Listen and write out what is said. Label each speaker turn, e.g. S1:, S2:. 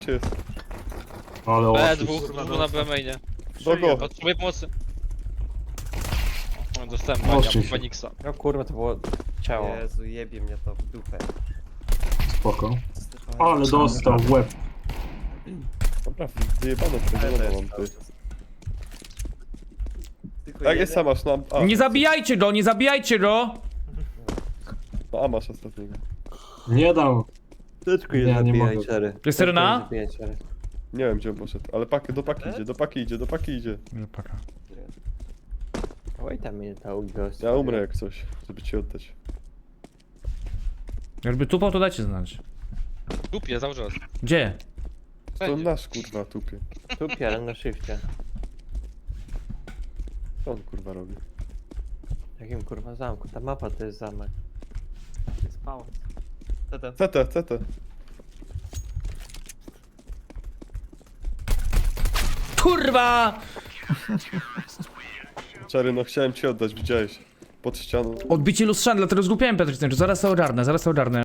S1: jest.
S2: Ale
S3: B,
S2: oszust.
S3: dwóch na B mainie.
S1: Do go.
S3: Potrzebuję pomocy. O, dostałem
S2: Oszczędź
S3: bania,
S2: się.
S3: Baniksa.
S4: No kurwa, to było ciało.
S5: Jezu, jebie mnie to w dupę.
S2: Spoko. Ale dostał w łeb.
S1: Dobra, wyjebane przejdziemy mam ty.
S5: Tylko
S1: Jak jest
S5: jeden?
S1: sama, na A.
S6: Nie zabijajcie go, nie zabijajcie go!
S1: Na A masz ostatniego.
S2: Nie dam.
S4: Tyczku
S2: Nie, nie mogę.
S6: Jest Serena?
S1: Nie wiem gdzie on poszedł, ale do paki idzie, do paki idzie.
S6: Nie, paka.
S4: Oj, tam mnie to gość.
S1: Ja umrę jak coś, żeby ci oddać.
S6: Jakby tupał, to dajcie znać.
S3: Dupie, cały czas.
S6: Gdzie?
S1: To nasz kurwa tupie.
S4: Tu pierę na shifcie.
S1: Co on kurwa robi?
S4: Jakim kurwa zamku? Ta mapa to jest zamek.
S5: Jest pałac. CT.
S1: CT.
S6: Kurwa!
S1: Czary, no chciałem ci oddać, widziałeś. Pod ścianą.
S6: Odbicie lustrzane, dlatego zgłupiałem Petr, zaraz to ogarnę.